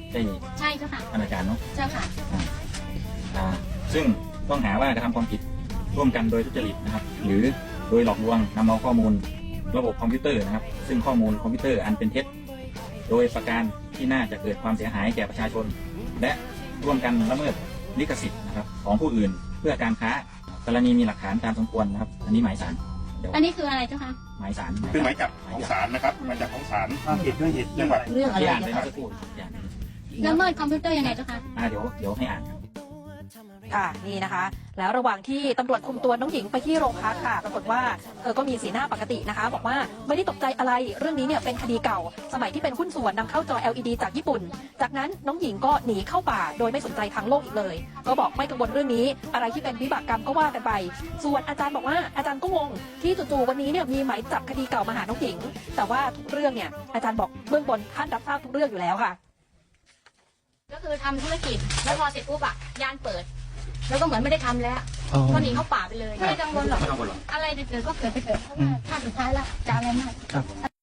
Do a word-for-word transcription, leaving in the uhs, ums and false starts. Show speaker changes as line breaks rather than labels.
ได้
ใช่เจ้าค่ะ
อนาจารเนาะ
เจ้าค่ะ
อ่าซึ่งต้องหาว่ากระทำความผิดร่วมกันโดยทุจริตนะครับหรือโดยหลอกลวงนำเอาข้อมูลระบบคอมพิวเตอร์นะครับซึ่งข้อมูลคอมพิวเตอร์อันเป็นเท็จโดยประการที่น่าจะเกิดความเสียหายแก่ประชาชนและร่วมกันละเมิดลิขสิทธิ์นะครับของผู้อื่นเพื่อการค้ากรณีมีหลักฐานตามสมควรนะครับอันนี้หมายศาล
อันนี้คืออะไรเจ้าคะ
หมายศาล
คือหมายจับของศาลนะครับหมายจับของศาลความผิดด้วยเหตุจังหวัด
เรื่องอะไร
ที่อ่านไป
เจ้า
เมื่อ
ค่ะ
สักครู่อย่างนี้
ละเมิดคอมพิวเตอร์ยังไงเจ้าคะ
อ่าเดี๋ยวเดี๋ยวให้อ่าน
ค่ะนี่นะคะแล้วระหว่างที่ตำรวจคุมตัวน้องหญิงไปที่โรงพักค่ะปรากฏว่าเธอก็มีสีหน้าปกตินะคะบอกว่าไม่ได้ตกใจอะไรเรื่องนี้เนี่ยเป็นคดีเก่าสมัยที่เป็นหุ้นส่วนนำเข้าจอ แอล อี ดี จากญี่ปุ่นจากนั้นน้องหญิงก็หนีเข้าป่าโดยไม่สนใจทางโลกอีกเลยก็บอกไม่กังวลเรื่องนี้อะไรที่เป็นวิบากกรรมก็ว่ากันไปส่วนอาจารย์บอกว่าอาจารย์ก็งงที่จู่ๆวันนี้เนี่ยมีหมายจับคดีเก่ามาหาน้องหญิงแต่ว่าทุกเรื่องเนี่ยอาจารย์บอกเบื้องบนท่านรับทราบทุกเรื่องอยู่แล้วค่ะ
ก็คือทำธุรกิจแล้วพอเสร็จปุ๊บอะย่านเปิดแล้วก็เหมือนไม่ได้ทำแล้วก็หนีเข้าป่าไปเลยไม่กังวลหรอกอะไรจะเกิดก็เกิดไปเกิดเพราะว่าถ้าสุดท้ายแล้วจะอะไรมาก